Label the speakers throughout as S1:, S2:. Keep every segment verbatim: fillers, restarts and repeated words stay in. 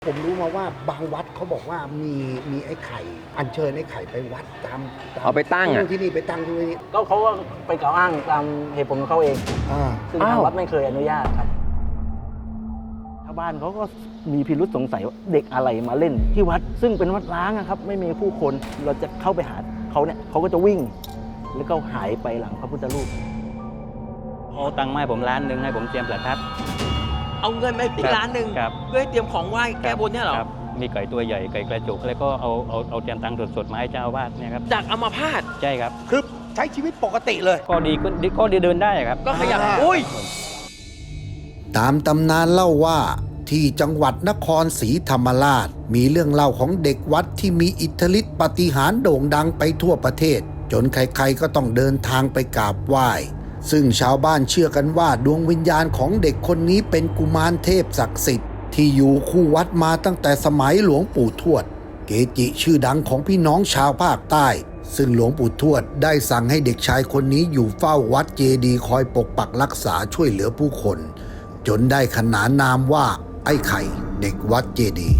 S1: ผมรู้มาว่าบางวัดเขาบอกว่ามีมีไอ้ไข่อัญเชิญไอ้ไข่ไปวัดตามตม
S2: เอาไปตั้งอ่ะ
S1: ที่นี่ไปตั้งที่นี่
S3: ก็เขาก็ไปกล่าวอ้างตามเหตุผลของเขาเอง
S1: อ่า
S3: ซึ่งทางวัดไม่เคยอนุญาตครับชาวบ้านเขาก็มีพิรุษสงสัยว่าเด็กอะไรมาเล่นที่วัด ซึ่งเป็นวัดร้างนะครับไม่มีผู้คนเราจะเข้าไปหาเขาเนี่ยเขาก็จะวิ่งแล้วก็หายไปหลังพระพุทธรูป
S4: เอาตังค์มาให้ผมล้านหนึ่งให้ผมเตรียมประทัด
S5: เอาเงินมาอีกล้านหนึ่ง
S4: ครับ
S5: เพื่อให้เตรียมของไหว้แก้บนเนี่ยเหรอ
S4: ครับมีไก่ตัวใหญ่ไก่กระจุกแล้วก็เอาเอาเอาเตรียมตังค์สดๆมาให้เจ้าอาวาสเนี่ยครับ
S5: จากอัมาพาต
S4: ใช่ครับ
S1: คือใช้ชีวิตปกติเลย
S4: ก็ดีก็ดีก็ดีเดินได้ครับ
S5: ก็ขยับ
S1: อ่า
S5: อุ้ย
S6: ตามตำนานเล่าว่าที่จังหวัดนครศรีธรรมราชมีเรื่องเล่าของเด็กวัดที่มีอิทธิฤทธิปาฏิหาริย์โด่งดังไปทั่วประเทศ จนใครๆก็ต้องเดินทางไปกราบไหว้ซึ่งชาวบ้านเชื่อกันว่าดวงวิญญาณของเด็กคนนี้เป็นกุมารเทพศักดิ์สิทธิ์ที่อยู่คู่วัดมาตั้งแต่สมัยหลวงปู่ทวดเกจิชื่อดังของพี่น้องชาวภาคใต้ซึ่งหลวงปู่ทวดได้สั่งให้เด็กชายคนนี้อยู่เฝ้าวัดเจดีย์คอยปกปักรักษาช่วยเหลือผู้คนจนได้ขนานนามว่าไอ้ไข่เด็กวัดเจดีย์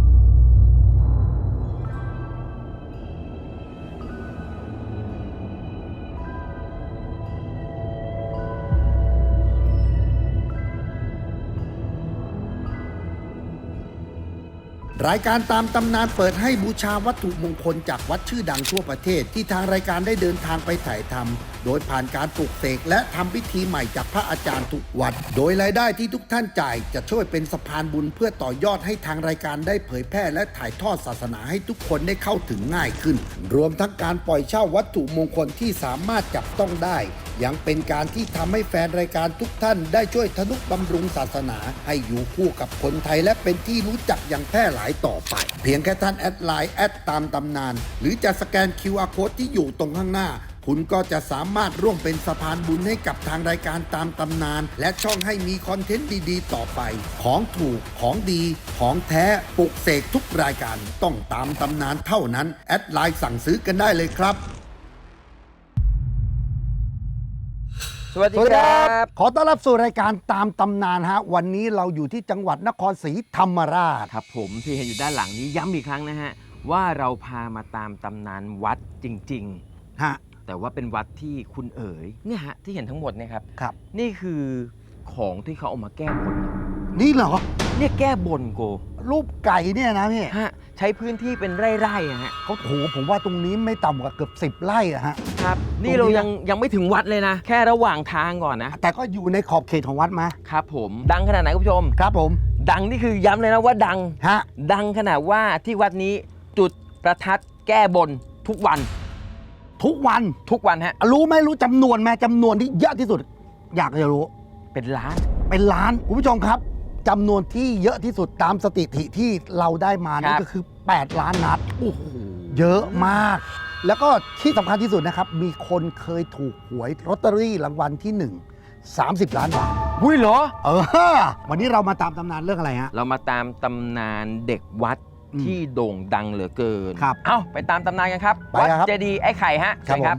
S6: รายการตามตำนานเปิดให้บูชาวัตถุมงคลจากวัดชื่อดังทั่วประเทศที่ทางรายการได้เดินทางไปถ่ายทำโดยผ่านการปลุกเสกและทำพิธีใหม่จากพระอาจารย์ทุกวัดโดยรายได้ที่ทุกท่านจ่ายจะช่วยเป็นสะพานบุญเพื่อต่อยอดให้ทางรายการได้เผยแพร่และถ่ายทอดศาสนาให้ทุกคนได้เข้าถึงง่ายขึ้นรวมทั้งการปล่อยเช่าวัตถุมงคลที่สามารถจับต้องได้ยังเป็นการที่ทำให้แฟนรายการทุกท่านได้ช่วยทนุบำรุงศาสนาให้อยู่คู่กับคนไทยและเป็นที่รู้จักอย่างแพร่หลายต่อไปเพียงแค่ท่านแอดไลน์แอดตามตำนานหรือจะสแกน คิว อาร์ Code ที่อยู่ตรงข้างหน้าคุณก็จะสามารถร่วมเป็นสะพานบุญให้กับทางรายการตามตำนานและช่องให้มีคอนเทนต์ดีๆต่อไปของถูกของดีของแท้ปลุกเสกทุกรายการต้องตามตำนานเท่านั้นแอดไลน์สั่งซื้อกันได้เลยครับ
S2: สวัสดี
S1: สวัสดี
S2: ค
S1: ค
S2: รั
S1: รับ บขอต้อนรับสู่รายการตามตำนานฮะวันนี้เราอยู่ที่จังหวัดนครศรีธรรมราช
S5: ครับผมที่เห็นอยู่ด้านหลังนี้ย้ำอีกครั้งนะฮะว่าเราพามาตามตำนานวัดจริง
S1: ฮะ
S5: ๆ แต่ว่าเป็นวัดที่คุณเอ๋ยเนี่ยฮะที่เห็นทั้งหมดเนี่ยครับ
S1: ครับ
S5: นี่คือของที่เขาเอามาแก้บน
S1: นี่เหรอ
S5: เนี่ยแก้บนโก
S1: รูปไก่เนี่ยนะพี่
S5: ฮะใช้พื้นที่เป็นไร่ๆอะฮะ
S1: เขาโหผมว่าตรงนี้ไม่ต่ำกว่าเกือบสิบไร่อะฮะ
S5: ครับนี่
S1: ตรงนี้
S5: เรายังยังไม่ถึงวัดเลยนะ แค่ระหว่างทางก่อนนะ
S1: แต่ก็อยู่ในขอบเขตของวัดมา
S5: ครับผมดังขนาดไหนคุณผู้ชม
S1: ครับผม
S5: ดังนี่คือย้ำเลยนะว่าดัง
S1: ฮะ
S5: ดังขนาดว่าที่วัดนี้จุดประทัดแก้บนทุกวัน
S1: ทุกวัน
S5: ทุกวันฮะ
S1: รู้ไหมรู้จำนวนไหมจำนวนที่เยอะที่สุด อยากจะรู้
S5: เป็นล้าน
S1: เป็นล้านคุณผู้ชมครับจำนวนที่เยอะที่สุดตามสถิติที่เราได้มานั่นก็คือ แปด ล้านนัด
S5: โอ้โห
S1: เยอะมาก แล้วก็ที่สำคัญที่สุดนะครับ มีคนเคยถูกหวยลอตเตอรี่รางวัลที่หนึ่ง สามสิบ ล้านบาท
S5: วุ้ยเหรอ
S1: เออวันนี้เรามาตามตำนานเรื่องอะไรฮะ
S5: เรามาตามตำนานเด็กวัด
S1: อืม
S5: ที่โด่งดังเหลือเกิน
S1: ครับ
S5: เอ้าไปตามตำนานกันครับ
S1: ไป
S5: วัด
S1: ครับ
S5: เจดีย์ไอ้ไข่ฮะ
S1: ครับ
S5: เชิญ
S1: ผม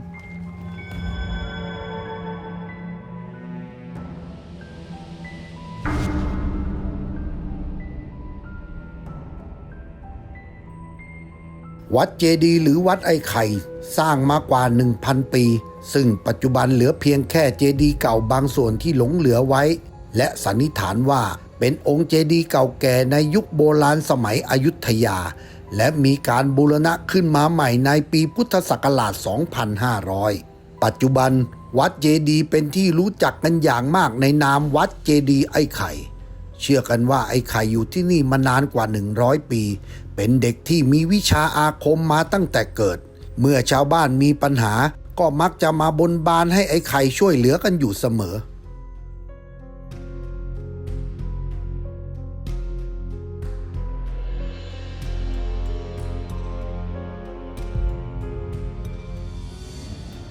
S6: วัดเจดีย์หรือวัดไอ้ไข่สร้างมากว่า หนึ่งพัน ปี ซึ่งปัจจุบันเหลือเพียงแค่เจดีย์เก่าบางส่วนที่หลงเหลือไว้ และสันนิษฐานว่าเป็นองค์เจดีย์เก่าแก่ในยุคโบราณสมัยอยุธยา และมีการบูรณะขึ้นมาใหม่ในปีพุทธศักราช สองพันห้าร้อย ปัจจุบันวัดเจดีย์เป็นที่รู้จักกันอย่างมากในนามวัดเจดีย์ไอ้ไข่ เชื่อกันว่าไอ้ไข่อยู่ที่นี่มานานกว่า หนึ่งร้อย ปี เป็นเด็กที่มีวิชาอาคมมาตั้งแต่เกิด เมื่อชาวบ้านมีปัญหาก็มักจะมาบนบานให้ไอ้ไข่ช่วยเหลือกันอยู่เสมอ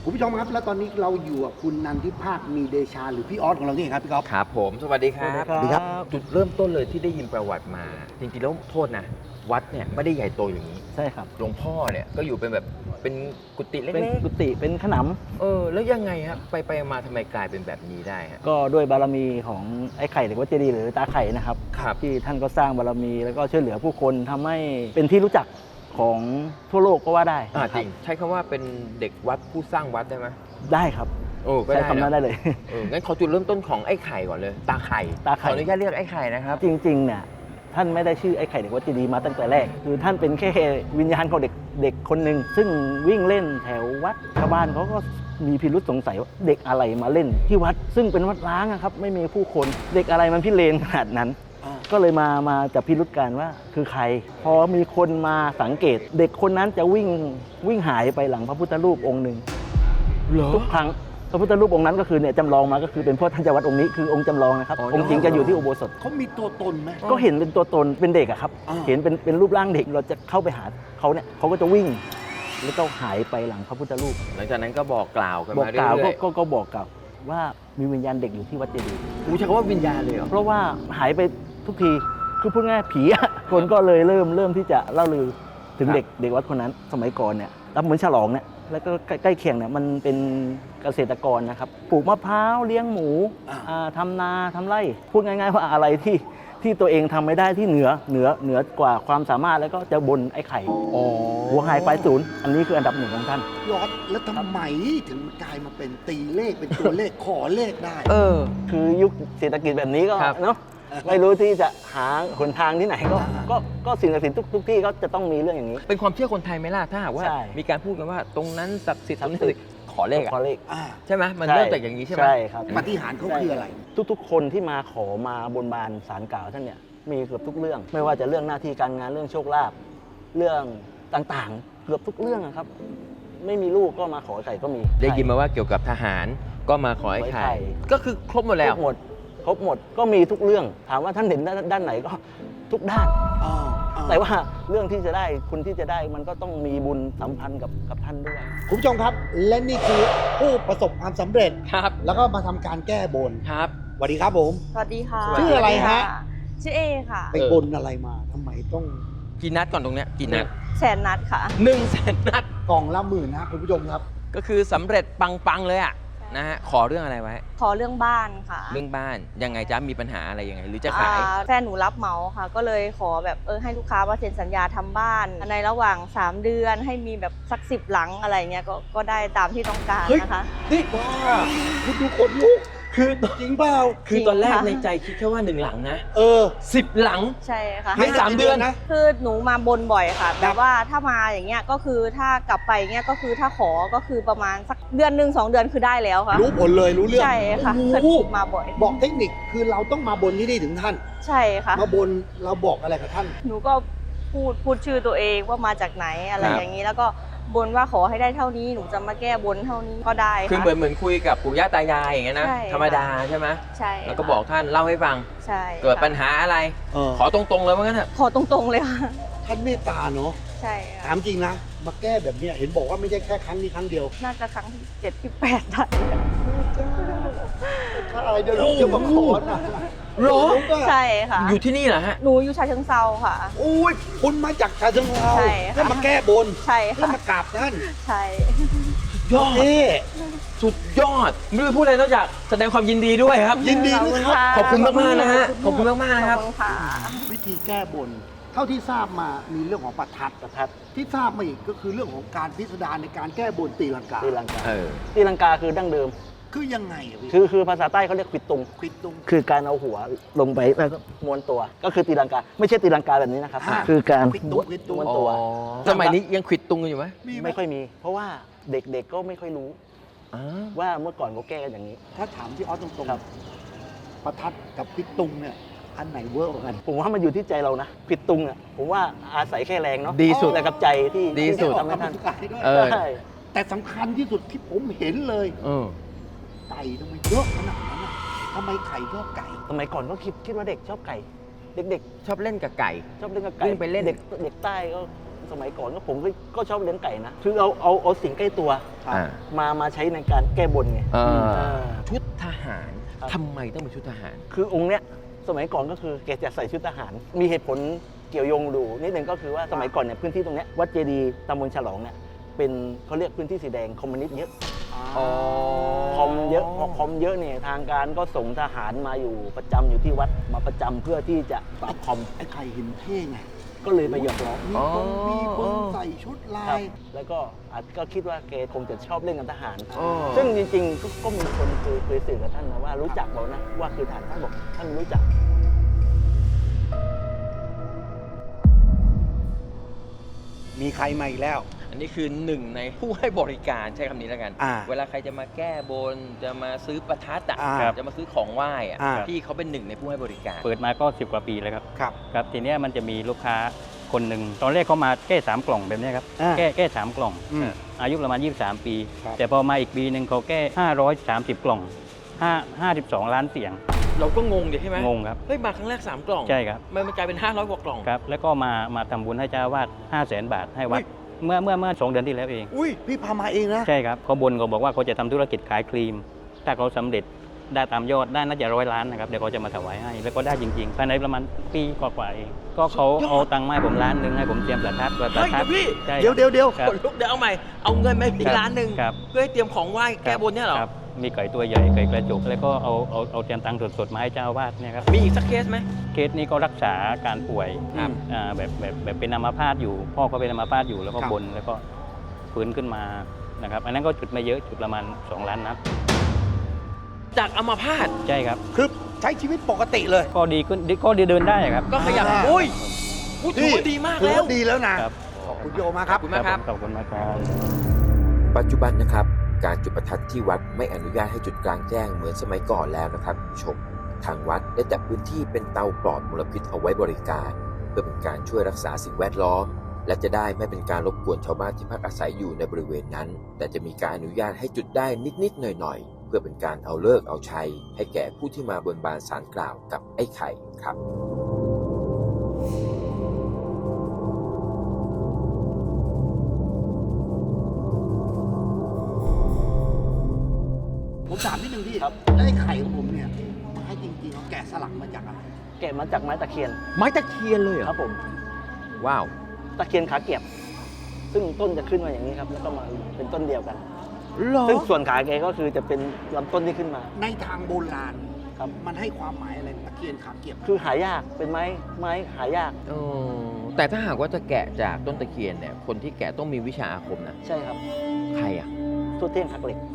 S1: คุณผู้ชมครับแล้วตอนนี้เราอยู่กับคุณนันทิภาคมีเดชาหรือพี่ออสของเรานี่เองครับพี่ก๊อฟ
S5: ครับผมสวัสดีครับ
S1: สวัสดีครับ
S5: จุดเริ่มต้นเลยที่ได้ยินประวัติมา จริงๆแล้วโทษนะ วัดเนี่ยไม่ได้ใหญ่โตอย่างนี้
S3: ใช่ครับ
S5: หลวงพ่อเนี่ยก็อยู่เป็นแบบเป็นกุฏิเล็
S3: เป็น
S5: ก
S3: กุฏิเป็นขน
S5: ๆเออแล้วยังไงครับไปไปมาทำไมกลายเป็นแบบนี้ได้ฮะ
S3: ำก็ด้วยบารมีของไอ้ไข่เด็กวัดเจดีย์หรือตาไข่นะครับ
S5: ครับ
S3: ที่ท่านก็สร้างบารมีแล้วก็ช่วยเหลือผู้คนทำให้เป็นที่รู้จักของทั่วโลกก็ว่าได้
S5: อ่า
S3: นะค
S5: จ
S3: บ
S5: ริงใช้คำว่าเป็นเด็กวัดผู้สร้างวัดได้ไหม
S3: ได้ครับ
S5: โอ้ก็
S3: ใช้
S5: ได้
S3: คำนั้น
S5: นะ
S3: ได้เลย
S5: เอองั้นขอจุดเริ่มต้นของไอ้ไข่ก่อนเลย ตาไข่
S3: ตาไข่
S5: ขออนุญาตเรียกไอ้ไข่นะครับ
S3: จริงๆเนี่ยท่านไม่ได้ชื่อไอ้ไข่เด็กวัดเจดีย์มาตั้งแต่แรก คือท่านเป็นแค่วิญญาณของเด็กเด็กคนหนึ่งซึ่งวิ่งเล่นแถววัดชาวบ้านเขาก็มีพิรุษสงสัยว่าเด็กอะไรมาเล่นที่วัด ซึ่งเป็นวัดร้างอะครับไม่มีผู้คนเด็กอะไรมันพิเรนขนาดนั้น ก็เลยมามาจับพิรุษกันว่าคือใคร พอมีคนมาสังเกต เด็กคนนั้นจะวิ่งวิ่งหายไปหลังพระพุทธรูปองค์หนึ่ง
S5: เหรอ
S3: ทุกครั้งพระพุทธรูปองค์นั้นก็คือเนี่ยจำลองมาก็คือเป็นพ่อท่านเจ้าวัดองค์นี้คือองค์จำลองนะครับ
S5: อ๋อ
S3: องค์จริงจะอยู่ที่อุโบสถ
S1: เขามีตัวตนไหม
S3: ก็เห็นเป็นตัวตนเป็นเด็กอะครับ
S1: อ่า
S3: เห็นเป็นเป็นรูปร่างเด็กเราจะเข้าไปหาเขาเนี่ยเขาก็จะวิ่ง แล้วก็หายไปหลังพระพุทธรูป
S5: หลังจากนั้นก็บอกกล่าวกัน
S3: บอก
S5: มาเรื่
S3: กล่าวก็
S5: อย
S3: ก็ก็บอกกล่าวว่ามีวิญญาณเด็กอยู่ที่วัดเจดีย์
S5: ๆกูใช้คำว่าวิญญาณเลยเหรอ
S3: เพราะว่าหายไปทุกทีคือพูดง่ายๆผีอะ คนก็เลยเริ่มเริ่มที่จะเล่าลือถึงเด็กเด็กวัดคนนั้น สมัยก่อนเนี่ยรับเหมือนฉลองเนี่ยแล้วก็ใกล้ใกล้เคียงเนี่ยมันเป็นเกษตรกรนะครับปลูกมะพร้าวเลี้ยงหมู
S1: อ่า
S3: อ่าทำนาทำไร่พูดง่ายๆว่าอะไรที่ที่ตัวเองทำไม่ได้ที่เหนือเหนือเหนือกว่าความสามารถแล้วก็จะบนไอ้ไข่
S1: อ๋อ
S3: หัวหายปลายศูนย์อันนี้คืออันดับหนึ่งของท่าน
S1: ยอดแล้วทำไมถึงกลายมาเป็นตีเลขเป็นตัวเลข ขอเลขได้
S5: เออ
S3: คือยุคเศรษฐกิจแบบนี้ก็
S5: ครับ
S3: เนาะไม่รู้ที่จะหาหนทางที่ไหนก็
S1: อ่า
S3: ก็ก็สิ่งศักดิ์สิทธิ์ทุกทุกที่ก็จะต้องมีเรื่องอย่างนี้
S5: เป็นความเชื่อคนไทยไหมล่ะถ้าหากว่า
S3: ใช่
S5: มีการพูดกันว่าตรงนั้นศักดิ์สิทธิ์ตรงนี้
S3: ศั
S5: ศั
S3: ก
S5: ก
S3: ดิ์
S5: ดิ์
S3: สิ
S5: สิ
S3: ท
S5: ท
S3: ธิ์
S5: ธิ์ขอเลขอะ
S3: ขอเลข
S1: อ่า
S5: ใช่ไหมมัน
S3: ใช่
S5: เริ่มจากอย่างนี้ใช่ไหม
S3: ใช่ครับ
S1: ปาฏิหารย์เขาคืออะไร
S3: ทุกๆ คนที่มาขอมาบนบานสารกล่าวท่านเนี่ยมีเกือบทุกเรื่อง ไม่ว่าจะเรื่องหน้าที่การงานเรื่องโชคลาภเรื่องต่างๆ เกือบทุกเรื่องอะครับ ไม่มีลูกก็มาขอไข่ก็มี
S5: ได้ยินมาว่าเกี่ยวกับทหารก็มาขอไอ้
S3: ขอไอ้ไข่
S5: ไข่ ก็คือครบหมด
S3: ค
S5: แล้
S3: ร
S5: ว
S3: บหมดครบหมดก็มีทุกเรื่อง ถามว่าท่านเห็นด้านด้านไหนก็ทุกด้าน
S1: อ๋ออ๋อ
S3: แต่ว่าเรื่องที่จะได้คุณที่จะได้มันก็ต้องมีบุญสัมพันธ์กับกับท่านด้วย
S1: คุณผู้ชมครับ และนี่คือผู้ประสบความสำเร็จ
S5: ครับ
S1: แล้วก็มาทำการแก้บน
S5: ครับ
S1: สวัสดีครับผม
S7: สวัสดีค่ะ
S1: ชื่ออะไรฮะ
S7: ชื่อเอค่ะ
S1: ไปบนอะไรมาทำไมต้อง
S5: กี่นัดก่อนตรงเนี้ยกี่นัด
S7: แสนนัดค่ะ
S5: หนึ่งแสนนัด
S1: กล่องละหมื่นนะคุณผู้ชมครับ
S5: ก็คือสำเร็จปังๆเลยอะนะฮะขอเรื่องอะไรไว้
S7: ขอเรื่องบ้านค่ะ
S5: เรื่องบ้านยังไงจ๊ะมีปัญหาอะไรยังไง หรือจะขาย
S7: อ่าแฟนหนูรับเหมาค่ะ ก็เลยขอแบบเออให้ลูกค้ามาเซ็นสัญญาทำบ้าน ในระหว่าง สาม เดือนให้มีแบบสักสิบหลังอะไรเงี้ยก็ก็ได้ตามที่ต้องการ
S1: เฮ้ย
S7: นะคะ
S1: นี่ว้าคุณดูคนลุก
S5: คือ
S1: จริงเปล่า
S5: คือตอนแรก
S7: จริงค่ะ
S5: ในใจคิดแค่ว่าหนึ่งหลังนะ
S1: เออ
S5: สิบหลัง
S7: ใช่ค่ะ
S5: ไม่สามเดือน
S1: นะ
S7: คือหนูมาบนบ่อยค่ะแบบว่าถ้ามาอย่างเงี้ยก็คือถ้ากลับไปเงี้ยก็คือถ้าขอก็คือประมาณสักเดือนหนึ่งสองเดือนคือได้แล้วค่ะ
S1: รู้ผลเลยรู้เรื่อง
S7: ใช่ค่ะ
S1: โอ้โห
S7: มาบ่อย
S1: บอกเทคนิคคือเราต้องมาบนที่นี่ถึงท่าน
S7: ใช่ค่ะ
S1: มาบนเราบอกอะไรกับท่าน
S7: หนูก็พูดพูดชื่อตัวเองว่ามาจากไหนอะไร
S5: ครับ
S7: อย่างนี้แล้วก็บนว่าขอให้ได้เท่านี้หนูจะมาแก้บนเท่านี้ก็ได้
S5: คือ
S7: ค่ะ
S5: เหมือนเหมือนคุยกับปู่ย่าตายายอย่างเงี้ยนะ
S7: ใช่
S5: ธรรมดาใช่ไหม
S7: ใช่
S5: แล้วก็
S7: ค่ะ
S5: บอกท่านเล่าให้ฟัง
S7: ใช่
S5: เกิด
S7: ค่ะ
S5: ปัญหาอะไร
S1: เออ
S5: ขอตรงๆเลยว่างั้นเถอะ
S7: ขอตรงๆเลยค่ะ
S1: ท่านเมตตาเนาะ
S7: ใช่
S1: ถา
S7: ค่ะ
S1: มจริงนะ มาแก้แบบเนี้ยเห็นบอกว่าไม่ใช่แค่ครั้งนี้ครั้งเดียว
S7: น่าจะครั้งที่เจ็ดที่แปดได้
S1: ถ้าอะไรเดี๋ยวลูกจะมาขอนะ
S5: หรอ
S1: ลูกอะ
S7: ใช่ค่ะ
S5: อยู่ที่นี่เหรอฮะ
S7: หนูอยู่ชาเชิงเซาค่ะ
S1: โอ้ยคุณมาจากชาเชิงเทรา
S7: ใช่ค่ะ
S1: แล้วมาแก้บน
S7: ใช่
S1: แล้ว
S7: ค่ะ
S1: มากราบท่าน
S7: ใช่
S5: ยอด
S1: เอ๊ะ
S5: สุดยอด ไม่รู้จะพูดอะไรนอกจากแสดงความยินดีด้วยครับ
S1: ยินดีด้วยครับ
S5: ขอบคุณมากๆนะฮะ ขอบคุณมากๆ
S7: ข
S5: นะค
S7: อ
S5: รั
S7: บบ คุณค่ะ
S1: วิธีแก้บน เท่าที่ทราบมามีเรื่องของประทัด
S3: ประทัด
S1: ที่ทราบมาอีกก็คือเรื่องของการพิสดารในการแก้บนตีลังกา
S3: ตีลังกา
S5: เออ
S3: ตีลังกาคือดั้งเดิม
S1: คือยังไงอะพี่
S3: คือคือภาษาใต้เขาเรียกควิดตุง
S1: ควิดตรง
S3: คือการเอาหัวลงไปแล้วก็ม้วนตัว ก็คือตีลังกา ไม่ใช่ตีลังกาแบบนี้นะครับ
S1: อ่า
S3: คือการ
S1: ควิดตุงควิดตุง
S3: ม้วน
S5: อ๋
S3: ตัว
S5: อ สมัยนี้ยังขวิดตุงกันอยู่ไหม
S1: มีไหม
S3: ไม่ค่อยมี เพราะว่าเด็กๆก็ไม่ค่อยรู้
S5: อ๋อ
S3: ว่าเมื่อก่อนเขาแก้กันอย่างนี้
S1: ถ้าถามที่ออสตรง
S3: ครับ
S1: ๆประทัดกับควิดตุงเนี่ยอันไหนเวิร์กกว่ากัน
S3: ผมว่ามันอยู่ที่ใจเรานะผิดตุงอ่ะผมว่าอาศัยแค่แรงเนาะ
S5: ดีสุด
S3: แต่กับใจที่
S5: ดีสุด
S3: ที่ทำให้
S1: ออก
S3: ท่าน
S1: กำลังกายด้วย
S5: เออ
S3: ใช่
S1: แต่สำคัญที่สุดที่ผมเห็นเลย
S5: เออ
S1: ไก่ทำไมเยอะขนาดนั้นอะทำไมไข่ชอบไก่
S3: สมัยก่อนก็คิดคิดว่าเด็กชอบไก่ เด็ก
S5: ชอบเล่นกับไก่
S3: ๆ ชอบเล่นกับไก่
S5: วิ่งไปเล่น
S3: เด็กเด็กใต้ก็สมัยก่อนก็ผมก็ก็ชอบเลี้ยงไก่นะคือเอาเอาเอาสิ่งใกล้ตัว
S5: อ่า
S3: มามาใช้ในการแก้บนไง
S5: เออ
S3: เออ
S5: ชุดทหาร
S3: ครับ
S5: ทำไมต้องเป็นชุดทหาร
S3: คือองค์เนี้ยสมัยก่อนก็คือแกจะใส่ชุดทหาร มีเหตุผลเกี่ยวโยงดูนิดนึงก็คือว่าสมัยก่อนเนี่ยพื้นที่ตรงเนี้ยวัดเจดีย์ตำบลฉลองเนี่ยเป็นเขาเรียกพื้นที่สีแดงคอมมิวนิสต์เยอะ
S5: อ๋อ
S3: คอมเยอะพอคอมเยอะเนี่ยทางการก็ส่งทหารมาอยู่ประจำอยู่ที่วัดมาประจำเพื่อที่จะปราบคอม
S1: ไอ้ไข่เห็นเท่ไง
S3: ก็เลยไปหยอกล้อ
S1: มีคนมีคนใส่ชุดลา
S3: ครับ
S1: ย
S3: แล้วก็อาจก็คิดว่าแกคงจะชอบเล่นกับทหาร
S5: อ๋อ
S3: ซึ่งจริงๆก็ก็มีคนเคยเคยสื่อกับท่านนะว่ารู้จักเรานะว่าคือทหารท่านบอกท่านรู้จัก
S1: มีใครมาอีกแล้ว
S5: อันนี้คือหนึ่งในผู้ให้บริการใช้คำนี้แล้วกัน
S1: อ่า
S5: เวลาใครจะมาแก้บน จะมาซื้อประทัดอ่ะ
S1: อ่า
S5: จะมาซื้อของไหว้อ่ะ
S1: อ่า
S5: พี่เขาเป็นหนึ่งในผู้ให้บริการ
S4: เปิดมาก็สิบกว่าปีแล้วครับ
S1: ครับ
S4: ครับทีเนี้ยมันจะมีลูกค้าคนหนึ่งตอนแรกเขามาแก้สามกล่องแบบเนี้ยครับ
S1: อ่า
S4: แก้แก้สามกล่อง
S1: อืม
S4: อายุประมาณยี่สิบสามปี
S1: ครับ
S4: แต่พอมาอีกปีหนึ่งเขาแก้ห้าร้อยสามสิบกล่องห้า ห้าสิบสองล้านเสียง
S5: เราก็งงดิใช่ไหม
S4: งงครับ
S5: เฮ้ยมาครั้งแรกสามกล่อง
S4: ใช่ครับ
S5: มันมันกลายเป็นห้าร้อยกว่ากล่อง
S4: ครับ แล้วก็มามาทำบุญให้เจ้าอาวาดห้าแสนบาทให้วัด เมื่อเมื่อเมื่อสองเดือนที่แล้วเอง
S1: อุ้ยพี่พามาเองนะ
S4: ใช่ครับเขาบนเขาบอกว่าเขาจะทำธุรกิจขายครีม ถ้าเขาสำเร็จได้ตามยอดได้น่าจะร้อยล้านนะครับเดี๋ยวเขาจะมาถวายให้แล้วก็ได้จริงๆภายในประมาณปีกว่าๆเองก็เขา
S5: สุดยอด
S4: เอาตังค์มาให้ผมล้านหนึ่งให้ผมเตรียมประทัดประทั
S5: เฮ้ย
S4: ด
S5: เดี๋ยวพี่
S4: ใช่
S1: เดี๋ยวเดี๋ยวเดี๋ยว
S4: ครับ
S5: คนลุกเดี๋ยวเอาใหม่ เอาเงินมาให้พี่
S4: ครับ
S5: ล้านหนึ่ง
S4: ครับ
S5: เพื่อให้เตรียมของไหว้แก้บนเนี่ยเหรอ
S4: ครับมีไก่ตัวใหญ่ไก่กระจกแล้วก็เอาเอาเอาเตรียมตังค์สดๆมาให้เจ้าอาวาสเนี่ยครับ
S5: มีอีกสักเคสไหม
S4: เคสนี้ก็รักษาการป่วย
S5: ครับ
S4: อ่าแบบแบบแบบเป็นอัมพาตอยู่ พ่อเขาเป็นอัมพาตอยู่แล้วก็
S1: ครับ
S4: บนแล้วก็ฟื้นขึ้นมานะครับอันนั้นก็จุดไม่เยอะจุดประมาณสองล้านนัด
S5: จากอัมพาต
S4: ใช่ครับ
S1: คือใช้ชีวิตปกติเลย
S4: ก็ดีขึ้นดีก็ดีเดินได้ครับ
S5: ก็ขยับ
S1: อ่า
S5: อุ้ยพูดถือว่าดีมาก
S1: ถือ
S5: แล้ว
S1: ว่าดีแล้วนะครับ ขอบคุณโยมาครับ
S5: ขอบคุณมากครับ
S4: ขอบคุณมากครับ
S8: ปัจจุบันนะครับการจุดประทัดที่วัดไม่อนุญาตให้จุดกลางแจ้งเหมือนสมัยก่อนแล้วนะครับคุณผู้ชมทางวัดได้จัดพื้นที่เป็นเตาปลอดมลพิษเอาไว้บริการ เพื่อเป็นการช่วยรักษาสิ่งแวดล้อม และจะได้ไม่เป็นการรบกวนชาวบ้านที่พักอาศัยอยู่ในบริเวณนั้น แต่จะมีการอนุญาตให้จุดได้นิดๆหน่อยๆเพื่อเป็นการเอาเลิกษ์เอาชัยให้แก่ผู้ที่มาบนบานศาลกล่าวกับไอ้ไข่ครับ
S1: ผมถามนิดนึงพี่
S3: ครับ
S1: แล้วไอ้ไข่ของผมเนี่ยไม้จริงๆเขาแกะสลักมาจากอะไร
S3: แกะมาจากไม้ตะเคียน
S5: ไม้ตะเคียนเลยเหร
S3: ครั
S5: อบ
S3: ผม
S5: ว้าว
S3: ตะเคียนขาเกียบ ซึ่งต้นจะขึ้นมาอย่างนี้ครับ แล้วก็มาเป็นต้นเดียวกัน
S5: เหรอ
S3: ซึ่งส่วนขาแกก็คือจะเป็นลำต้นที่ขึ้นมา
S1: ในทางโบราณ
S3: ครับ
S1: มันให้ความหมายอะไรตะเคียนขาเกียบ
S3: คือหายากเป็นไม้ไม้หายาก
S5: เออแต่ถ้าหากว่าจะแกะจากต้นตะเคียนเนี่ย คนที่แกะต้องมีวิชาอาคมนะ
S3: ใช่ครับ
S5: ใครอ่ะ
S3: ทั่วเที่ยงหักเหล็ก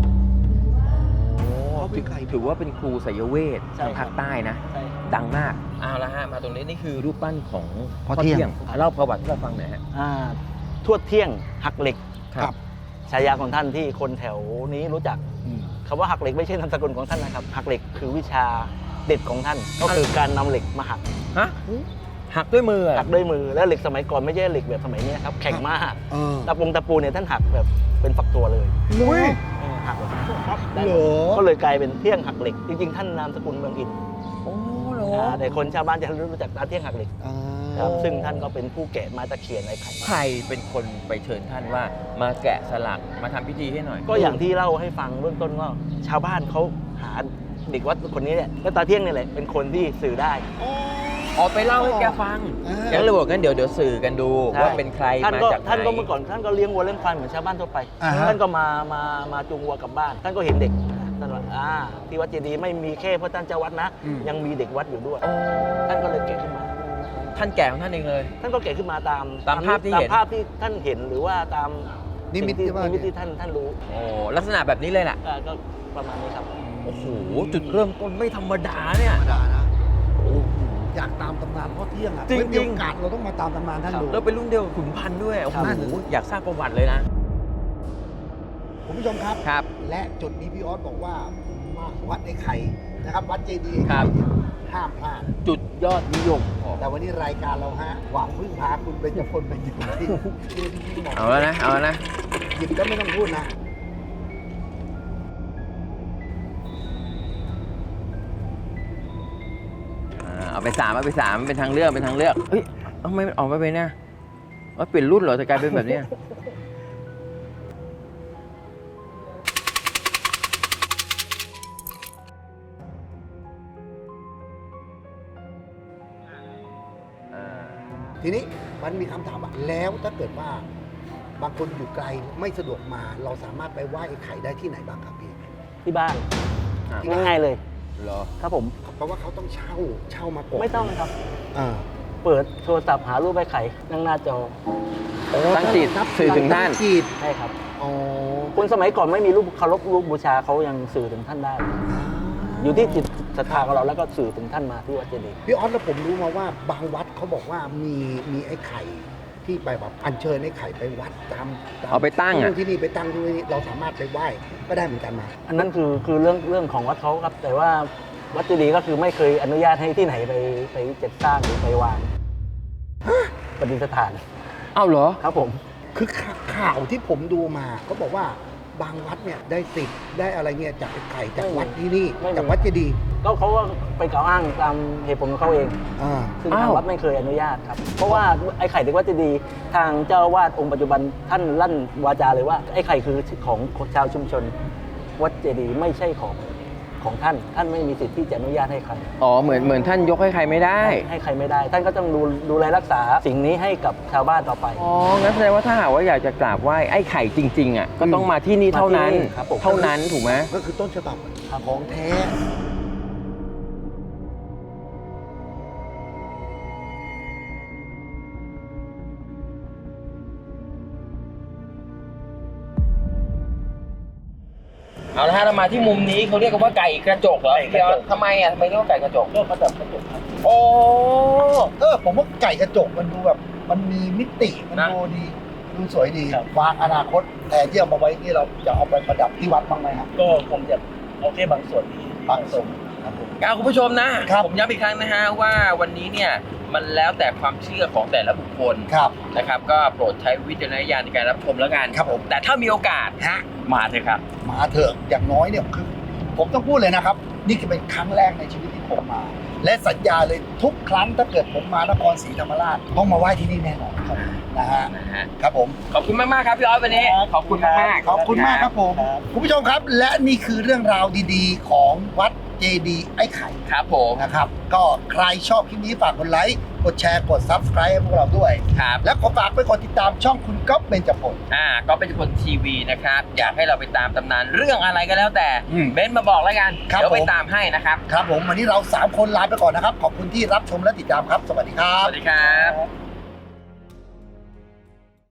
S1: เขาเป็นใคร
S5: ถือว่าเป็นครูสายเวท
S3: ใช่
S5: ทางภาคใต้นะ
S3: ใช่
S5: ดังมากเอาละฮะ มาตรงนี้นี่คือรูปปั้นของ
S1: พ่อเที่ยง
S5: อ่ะเล่าประวัติให้เราฟังหน่อยฮะ
S3: อ่าทั่วเที่ยงหักเหล็ก
S1: ครับ
S3: ฉายาของท่านที่คนแถวนี้รู้จักคำว่าหักเหล็กไม่ใช่นามสกุลของท่านนะครับ หักเหล็กคือวิชาเด็ดของท่าน ก็คือการนำเหล็กมาหัก
S5: ฮะ หักด้วยมือเหรอ
S3: หักด้วยมือแล้วเหล็กสมัยก่อนไม่ใช่เหล็กแบบสมัยนี้ครับแข็งมาก
S1: เออ
S3: ตะปงตะปูเนี่ยท่านหักแบบเป็นฝักตัวเลย
S1: อุ้ย
S3: เออหักแบบปั๊บได้
S1: เหรอ
S3: ก็เลยกลายเป็นเที่ยงหักเหล็ก จริงๆ ท่านนามสกุลเมืองอิน
S5: โอ้โห
S3: อ่าแต่คนชาวบ้านจะรู้จักตาเที่ยงหักเหล็ก
S1: อ่า
S3: ครับซึ่งท่านก็เป็นผู้แกะไม้ตะเคียนไอ้ไข่
S5: ใครเป็นคนไปเชิญท่านว่ามาแกะสลักมาทำพิธีให้หน่อย
S3: ก็อย่างที่เล่าให้ฟังเบื้องต้นว่าชาวบ้านเขาหาเด็กวัดคนนี้เนี่ยก็ตาเที่ยงนี่แหละเป็นคนที่สื่อได้
S5: ออกไปเล่าให้แกฟัง
S1: อ่า
S5: แกเลยบอกงั้นเดี๋ยวเดี๋ยวสื่อกันดู
S3: ใช่
S5: ว่าเป็นใคร
S3: ท่าน
S5: มา
S3: ก็
S5: จากไหน
S3: ท่านก็เมื่อก่อนท่านก็เลี้ยงวัวเลี้ยงควายเหมือนชาวบ้านทั่วไป
S1: อ่าฮะ
S3: ท่านก็มามามาจูงวัวกลับบ้าน ท่านก็เห็นเด็กท่านว่าอ่าที่วัดเจดีย์ไม่มีแค่พระท่านเจ้าวัดนะ
S1: อืม
S3: ยังมีเด็กวัดอยู่ด้วย
S5: โอ้
S3: ท่านก็เลยแกะขึ้นมา
S5: ท่านแก่ของท่านเองเลย
S3: ท่านก็แกะขึ้นมาตาม
S5: ตามภาพที่เห็น
S3: ตามภาพที่ท่านเห็นหรือว่าตาม
S1: นิมิต
S3: สิ่ง
S1: ที่ว่า
S3: นิมิตที่ท่านท่านรู้
S5: โอ้ลักษณะแบบนี้เลยแหละ
S3: อ่าก็ประมาณนี้ครับ
S5: โอ้โห จุดเริ่มต้นไม่ธรรมดาเนี่ย
S1: ธรรมดานะโอ้อยากตามตำนานพ่อเที่ยงอ่ะ
S5: จริงๆ
S1: ไว้มีโอกาสเราต้องมาตามตำนานท่านดู
S5: แล้วเป็นรุ่นเดียวกับขุนพันธ์ด้วย โอ้โห
S1: นั่นน่ะสิ
S5: อยากทราบประวัติเลยนะ
S1: คุณผู้ชมครับ
S5: ครับ
S1: และจุดนี้พี่ออสบอกว่ามาวัดไอ้ไข่นะครับ วัดเจดีย์ไอ้
S5: ครั
S1: ไข่
S5: บ
S1: เนี่ยห้ามพลาด
S5: จุดยอดนิยม
S1: แต่วันนี้รายการเราฮะหวังพึ่งพาคุณเป็นจพลเป็นจิตที่ที่ที่บอก
S5: เอาแล้วนะ เอาแล้วนะ
S1: หยิบก็ไม่ต้องพูดนะ
S5: อ่าเอาไปสามเอาไปสามเป็นทางเลือกเป็นทางเลือก เฮ้ยทำไมมันออกมาเป็นเนี่ยว่าเปลี่ยนรุ่นเหรอจะกลายเป็นแบบเนี้ย
S1: ทีนี้มันมีคำถามว่าแล้วถ้าเกิดว่าบางคนอยู่ไกลไม่สะดวกมาเราสามารถไปไหว้ไอ้ไข่ได้ที่ไหนบ้างครับพี่
S3: ที่บ้าน
S1: ครับ
S3: ง่ายๆเลย
S5: เหรอ
S3: ครับผม
S1: เพราะว่าเขาต้องเช่าเช่ามาก่อน
S3: ไม่ต้องครับ
S1: อ่า
S3: เปิดโทรศัพท์หารูปไอ้ไข่นั่งหน้าจอ
S5: ตั้งจิตสื่อถึงท่าน
S1: ตั้จิต
S3: ใช่ครับ
S1: อ๋อ
S3: คนสมัยก่อนไม่มีรูปเคารพรูปบูชาเขายังสื่อถึงท่านได้ อยู่ที่จิตศรัทธาของเราแล้วก็สื่อถึงท่านมาที่วัดเจดีย์
S1: พี่ออสแล้วผมรู้มาว่าบางวัดเขาบอกว่ามีมีไอ้ไข่ที่ไปแบบอัญเชิญไอ้ไข่ไปวัดตามตม
S5: เอาไปตั้งอะ
S1: ที่นี่ไปตั้งที่นี่เราสามารถไปไหว้ก็ได้เหมือนกันมา
S3: อันนั้นคือคือเรื่องเรื่องของวัดเขาครับ แต่ว่าวัดเจดีย์ก็คือไม่เคยอนุญาตให้ที่ไหนไปไปจัดสร้างหรือไปวางปฏิสถาน
S5: เอ้าเหรอ
S3: ครับผม
S1: คือข่าข่าวที่ผมดูมาเขาบอกว่าบางวัดเนี่ยได้ติดได้อะไรเงี้ยจากไอ้ไข่จากวัดที่นี่
S3: ไม่มี
S1: จากวัดเจดีย์
S3: ก็เขาก็ไปกล่าวอ้างตามเหตุผลของเขาเอง
S1: อ่า
S3: ซึ่ง
S5: อ้า
S3: ทาง
S5: ว
S3: วัดไม่เคยอนุญาตครับ เพราะว่าไอ้ไข่เด็กวัดเจดีย์ทางเจ้าอาวาสองค์ปัจจุบันท่านลั่นวาจาเลยว่าไอ้ไข่คือของชาวชุมชน วัดเจดีย์ไม่ใช่ของของท่าน ท่านไม่มีสิทธิ์ที่จะอนุญาตให้ใคร
S5: อ๋อเหมือนเหมือนท่านยกให้ใครไม่ได้
S3: ให้ใครไม่ได้ ท่านก็ต้องดูดูแลรักษาสิ่งนี้ให้กับชาวบ้านต่อไป
S5: อ๋อ งั้นแสดงว่าถ้าหากว่าอยากจะกราบไหว้ไอ้ไข่จริง ๆ อ่ะ ก็ต้องมาที่นี่เท่านั้น
S3: มาที่นี่ครับผม
S5: เท่านั้นถูกไหม
S1: ก็คือต้นฉบับของแท้
S5: เอาละฮะเรามาที่มุมนี้เขาเรียกกันว่าไก่กระจกเหรอพี่ออสทำไมอ่ะทำไมเรียกว่าไก่กระจก
S3: ก็มาจากกระจกครับ
S5: โอ้
S1: เออผมว่าไก่กระจกมันดูแบบมันมีมิติมัน
S5: นะ
S1: ดูดีดูสวยดี
S3: ครับ
S1: วางอนาคตแต่ที่เอามาไว้นี่เราจะเอาไปประดับที่วัดบ้างไหมครับ
S3: ก็คงจะเอาแค่บางส่วนที่
S1: บางส่วนครับผม
S5: เอาคุณผู้ชมนะ
S1: ครับ
S5: ผมย้ำอีกครั้งนะฮะว่าวันนี้เนี่ยมันแล้วแต่ความเชื่อของแต่ละบุคคล
S1: ครับ
S5: นะครับก็โปรดใช้วิจารณญาณในการรับชมแล้วกัน
S1: ครับผม
S5: แต่ถ้ามีโอกาส
S1: ฮะ
S5: มาเถอะครับ
S1: มาเถอะอย่างน้อยเนี่ยคือผมต้องพูดเลยนะครับ นี่คือเป็นครั้งแรกในชีวิตที่ผมมา และสัญญาเลยทุกครั้งถ้าเกิดผมมานครศรีธรรมราชต้องมาไหว้ที่นี่แน่นอนครับนะฮะ
S5: นะฮะ
S1: ครับผม
S5: ขอบคุณมาก ๆ ครับพี่ออสวันนี้ ขอบคุณมากๆ
S1: ขอบคุณมากครับผมคุณผู้ชมครับ และนี่คือเรื่องราวดีๆ ของวัดเจดีย์ไอ้ไข่
S5: ครับผม
S1: นะครับ ก็ใครชอบคลิปนี้ฝากกดไลค์กดแชร์กด Subscribe ให้พวกเราด้วย
S5: ครับ
S1: และขอฝากไปกดติดตามช่องคุณก๊อฟเบญจพล
S5: อ่าก็เป็นคนทีวีนะครับ อยากให้เราไปตามตำนานเรื่องอะไรก็แล้วแต่
S1: อืม
S5: เบนซ์มาบอกแล้วกัน
S1: ครับ
S5: เดี๋ยวไป
S1: ผม
S5: ตามให้นะครับ
S1: ครับผมวันนี้เราสามคนลาไปก่อนนะครับ ขอบคุณที่รับชมและติดตามครับ สวัสดีครั
S5: ส
S1: บ
S5: วัสดีครับ